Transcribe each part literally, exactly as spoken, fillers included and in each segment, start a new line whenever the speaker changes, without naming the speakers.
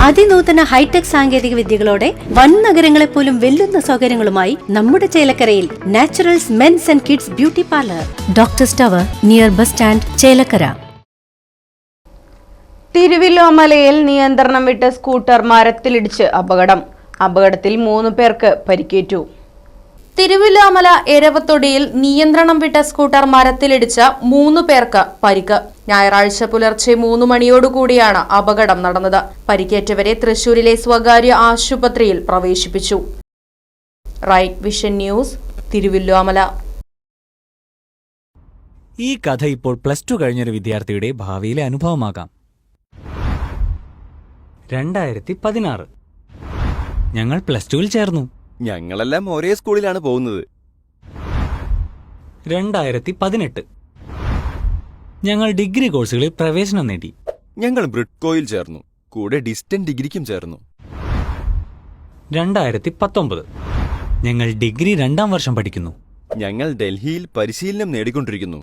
അതിനൂതന hi tech സാങ്കേതിക വിദ്യകളോടെ വൻ നഗരങ്ങളെ പോലും വെല്ലുന്ന സൗകര്യങ്ങളുമായി നമ്മുടെ ചേലക്കരയിൽ naturals mens and kids beauty parlour, doctors tower, near bus stand, Chelakkara.
തിരുവല്ലോമലയിൽ നിയന്ത്രണം വിട്ട സ്കൂട്ടർ മരത്തിലിടിച്ച് അപകടം. അപകടത്തിൽ മൂന്ന് പേർക്ക് പരിക്കേറ്റു. തിരുവല്ലോമല എരവത്തൊടിയിൽ നിയന്ത്രണം വിട്ട സ്കൂട്ടർ മരത്തിലിടിച്ച മൂന്ന് പേർക്ക് പരിക്ക്. ഞായറാഴ്ച പുലർച്ചെ മൂന്ന് മണിയോടുകൂടിയാണ് അപകടം നടന്നത്. പരിക്കേറ്റവരെ തൃശൂരിലെ സ്വകാര്യ ആശുപത്രിയിൽ പ്രവേശിപ്പിച്ചു. Right vision news, Thiruvilwamala.
ഈ കഥ ഇപ്പോൾ പ്ലസ് ടു കഴിഞ്ഞൊരു വിദ്യാർത്ഥിയുടെ ഭാവിയിലെ അനുഭവമാകാം. രണ്ടായിരത്തി പതിനാറ് ഞങ്ങൾ പ്ലസ് ടുവിൽ ചേർന്നു.
ഞങ്ങളെല്ലാം ഒരേ സ്കൂളിലാണ് പോകുന്നത്.
രണ്ടായിരത്തി പതിനെട്ട് ഞങ്ങൾ ഡിഗ്രി കോഴ്സുകളിൽ പ്രവേശനം നേടി.
ഞങ്ങൾ ബ്രിഡ്കോയിൽ ചേർന്നു. കൂടെ ഡിസ്റ്റന്റ് ഡിഗ്രിക്കും ചേർന്നു.
രണ്ടായിരത്തി പത്തൊമ്പത് ഞങ്ങൾ ഡിഗ്രി രണ്ടാം വർഷം പഠിക്കുന്നു.
ഞങ്ങൾ ഡൽഹിയിൽ പരിശീലനം നേടിക്കൊണ്ടിരിക്കുന്നു.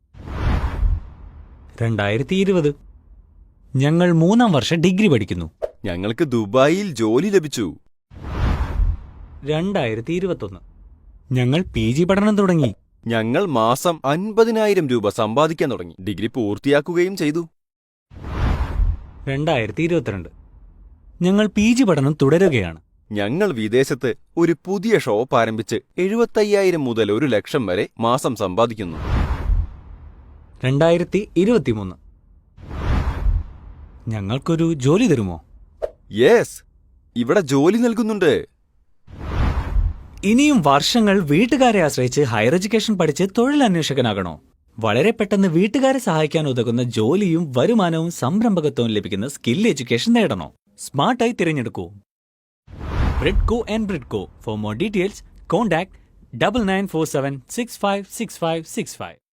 രണ്ടായിരത്തി ഇരുപത് ഞങ്ങൾ മൂന്നാം വർഷം ഡിഗ്രി പഠിക്കുന്നു.
ഞങ്ങൾക്ക് ദുബായിൽ ജോലി ലഭിച്ചു.
രണ്ടായിരത്തി ഇരുപത്തൊന്ന് ഞങ്ങൾ പി ജി പഠനം തുടങ്ങി.
ഞങ്ങൾ മാസം അൻപതിനായിരം രൂപ സമ്പാദിക്കാൻ തുടങ്ങി. ഡിഗ്രി പൂർത്തിയാക്കുകയും ചെയ്തു.
രണ്ടായിരത്തി ഇരുപത്തിരണ്ട് ഞങ്ങൾ പി ജി പഠനം തുടരുകയാണ്.
ഞങ്ങൾ വിദേശത്ത് ഒരു പുതിയ ഷോപ്പ് ആരംഭിച്ച് എഴുപത്തയ്യായിരം മുതൽ ഒരു ലക്ഷം വരെ മാസം സമ്പാദിക്കുന്നു.
രണ്ടായിരത്തി ഇരുപത്തിമൂന്ന് ഞങ്ങൾക്കൊരു ജോലി തരുമോ?
യെസ്, ഇവിടെ ജോലി നൽകുന്നുണ്ട്.
ഇനിയും വർഷങ്ങൾ വീട്ടുകാരെ ആശ്രയിച്ച് ഹയർ എഡ്യൂക്കേഷൻ പഠിച്ച് തൊഴിലന്വേഷകനാകണോ? വളരെ പെട്ടെന്ന് വീട്ടുകാരെ സഹായിക്കാൻ ഉതകുന്ന ജോലിയും വരുമാനവും സംരംഭകത്വവും ലഭിക്കുന്ന സ്കിൽ എഡ്യൂക്കേഷൻ നേടണോ? സ്മാർട്ടായി തിരഞ്ഞെടുക്കൂ Bridco and Bridco. For more details contact double nine four seven six five six five six five.